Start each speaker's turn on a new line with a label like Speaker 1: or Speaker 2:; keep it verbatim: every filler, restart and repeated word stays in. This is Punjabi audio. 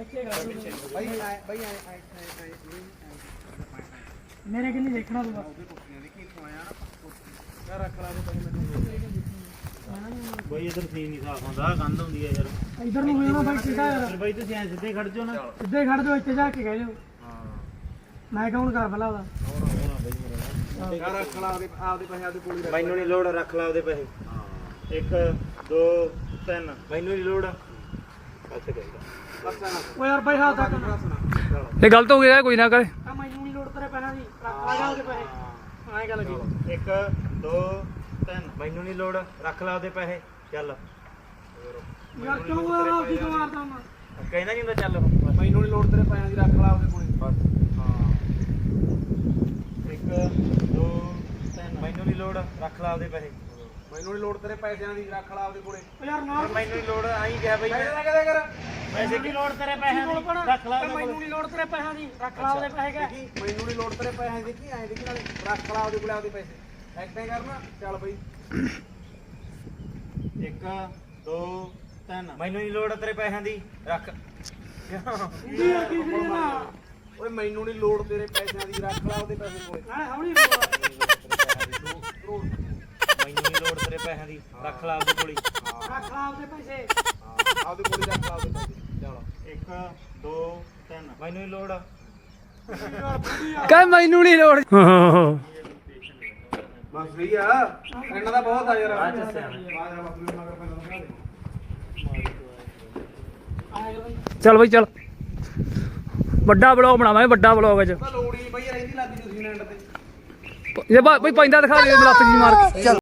Speaker 1: ਬਾਈ ਬਾਈ
Speaker 2: ਮੇਰੇ ਕਿੰਨੀ ਦੇਖਣਾ ਤੂੰ
Speaker 1: ਯਾਰ ਰੱਖ ਲਾ ਦੇ ਮੈਨੂੰ
Speaker 3: ਬਈ ਇਧਰ ਸੀਨ ਨਹੀਂ ਸਾਫ ਹੁੰਦਾ ਗੰਦ ਹੁੰਦੀ ਹੈ ਯਾਰ
Speaker 2: ਇਧਰ ਨੂੰ ਹੋ ਜਾਣਾ ਬਾਈ ਸਿੱਧਾ ਯਾਰ
Speaker 3: ਬਾਈ ਤੁਸੀਂ ਐ ਸਿੱਧੇ ਖੜ ਜਾਓ ਨਾ
Speaker 2: ਸਿੱਧੇ ਖੜ ਜਾਓ ਇੱਥੇ ਜਾ ਕੇ ਕਹਿ ਜਾਓ
Speaker 3: ਹਾਂ
Speaker 2: ਮੈਂ ਕਾਊਂਟ ਕਰ ਪਹਿਲਾਂ ਉਹਦਾ
Speaker 3: ਹੋਣਾ ਬਈ ਮੇਰਾ
Speaker 1: ਯਾਰ ਰੱਖ ਲਾ ਆਪਦੇ ਆਪਦੇ ਪੈਸੇ ਆਪਦੇ ਕੋਲ ਹੀ ਰੱਖ
Speaker 3: ਮੈਨੂੰ ਨਹੀਂ ਲੋੜ ਰੱਖ ਲਾ ਉਹਦੇ ਪੈਸੇ ਹਾਂ ਇੱਕ ਦੋ ਤਿੰਨ ਮੈਨੂੰ ਨਹੀਂ ਲੋੜ ਅੱਛਾ
Speaker 1: ਅੱਛਾ ਨਾ
Speaker 2: ਓ ਯਾਰ ਬਾਈ ਹੱਥ ਤੱਕ
Speaker 4: ਇਹ ਗਲਤ ਹੋ ਗਿਆ ਕੋਈ ਨਾ ਕਰੇ
Speaker 2: ਆ ਮੈਨੂੰ ਨਹੀਂ ਲੋੜ ਤੇਰੇ ਪੈਸਿਆਂ ਦੀ ਰੱਖ ਲਾ ਜਾ ਉਹਦੇ ਪੈਸੇ ਐਂ ਗੱਲ ਕੀ
Speaker 3: ਇੱਕ ਦੋ ਤਿੰਨ ਮੈਨੂੰ ਨਹੀਂ ਲੋੜ ਰੱਖ ਲਾ ਉਹਦੇ ਪੈਸੇ ਚੱਲ
Speaker 2: ਯਾਰ ਕਿਉਂ ਯਾਰ ਆਪਦੀ ਕਿਉਂ ਮਾਰਦਾ ਹੁੰਦਾ
Speaker 3: ਕਹਿੰਦਾ ਨਹੀਂ ਹੁੰਦਾ ਚੱਲ
Speaker 1: ਮੈਨੂੰ ਨਹੀਂ ਲੋੜ ਤੇਰੇ ਪੈਸਿਆਂ ਦੀ ਰੱਖ ਲਾ ਆਪਦੇ ਕੋਲ ਬਸ
Speaker 3: ਹਾਂ ਇੱਕ ਦੋ ਤਿੰਨ ਮੈਨੂੰ ਨਹੀਂ ਲੋੜ ਰੱਖ ਲਾ ਉਹਦੇ ਪੈਸੇ
Speaker 1: ਮੈਨੂੰ ਨਹੀਂ ਲੋੜ ਤੇਰੇ ਪੈਸਿਆਂ ਦੀ ਰੱਖ ਲਾ ਆਪਦੇ ਕੋਲੇ
Speaker 2: ਓ ਯਾਰ ਨਾ
Speaker 3: ਮੈਨੂੰ ਨਹੀਂ ਲੋੜ ਆਈ ਗਿਆ ਬਈ
Speaker 1: ਪੈਸੇ ਨਾ ਕਦੇ ਕਰ
Speaker 3: ਪੈਸੇ ਕੀ ਲੋੜ ਤੇਰੇ ਪੈਸਿਆਂ ਦੀ ਰੱਖ ਲਾ ਉਹਦੇ
Speaker 2: ਮੈਨੂੰ ਨਹੀਂ ਲੋੜ ਤੇਰੇ ਪੈਸਿਆਂ ਦੀ ਰੱਖ ਲਾ ਉਹਦੇ ਪੈਸੇ ਕਹ
Speaker 1: ਦੇਖੀ ਮੈਨੂੰ ਨਹੀਂ ਲੋੜ ਤੇਰੇ ਪੈਸਿਆਂ ਦੀ ਦੇਖੀ ਐਂ ਦੇਖੀ ਨਾਲੇ ਰੱਖ ਲਾ ਆਪਦੇ ਕੋਲੇ ਆਪਦੇ ਪੈਸੇ ਐਕਟਿੰਗ ਕਰਨਾ ਚੱਲ ਬਈ
Speaker 3: ਇੱਕ ਦੋ ਤਿੰਨ ਮੈਨੂੰ ਨਹੀਂ ਲੋੜ ਤੇਰੇ ਪੈਸਿਆਂ ਦੀ ਰੱਖ
Speaker 2: ਕੀ ਯਾਰ ਕੀ ਕਰੀ ਨਾ
Speaker 1: ਓਏ ਮੈਨੂੰ ਨਹੀਂ ਲੋੜ ਤੇਰੇ ਪੈਸਿਆਂ ਦੀ ਰੱਖ ਲਾ ਉਹਦੇ ਪੈਸੇ ਕੋਲੇ
Speaker 2: ਹਾਂ ਹੌਲੀ ਬੋਲ
Speaker 3: ਮੈਨੂੰ ਨਹੀਂ ਲੋੜ ਤੇਰੇ ਪੈਸਿਆਂ ਦੀ ਰੱਖ ਲਾ ਉਹਦੇ ਕੋਲ
Speaker 2: ਰੱਖ ਲਾ ਉਹਦੇ ਪੈਸੇ
Speaker 1: ਹਾਂ ਆਪਦੇ ਕੋਲੇ ਰੱਖ ਲਾ ਉਹਦੇ ਪੈਸੇ ਚੱਲ
Speaker 3: ਇੱਕ ਦੋ ਤਿੰਨ ਮੈਨੂੰ ਨਹੀਂ ਲੋੜ
Speaker 4: ਕਹ ਮੈਨੂੰ ਨਹੀਂ ਲੋੜ
Speaker 1: ਬਸ ਸਹੀ ਆ ਇਹਨਾਂ ਦਾ ਬਹੁਤ ਆ ਯਾਰ
Speaker 3: ਅੱਛਾ ਸਿਆਣਾ
Speaker 4: ਚੱਲ ਬਈ ਚੱਲ ਵੱਡਾ ਬਲੌਗ ਬਣਾਵਾਂਗੇ ਵੱਡਾ ਬਲੌਗ ਅੱਜ
Speaker 1: ਲੋੜੀ ਬਈ ਰਹਿੰਦੀ ਲੱਗੀ ਤੁਸੀਂ ਨੈਂਡ ਤੇ
Speaker 4: ਜੇ ਬਈ ਪੈਂਦਾ ਦਿਖਾ ਦੇ ਲੱਤ ਜੀ ਮਾਰ ਕੇ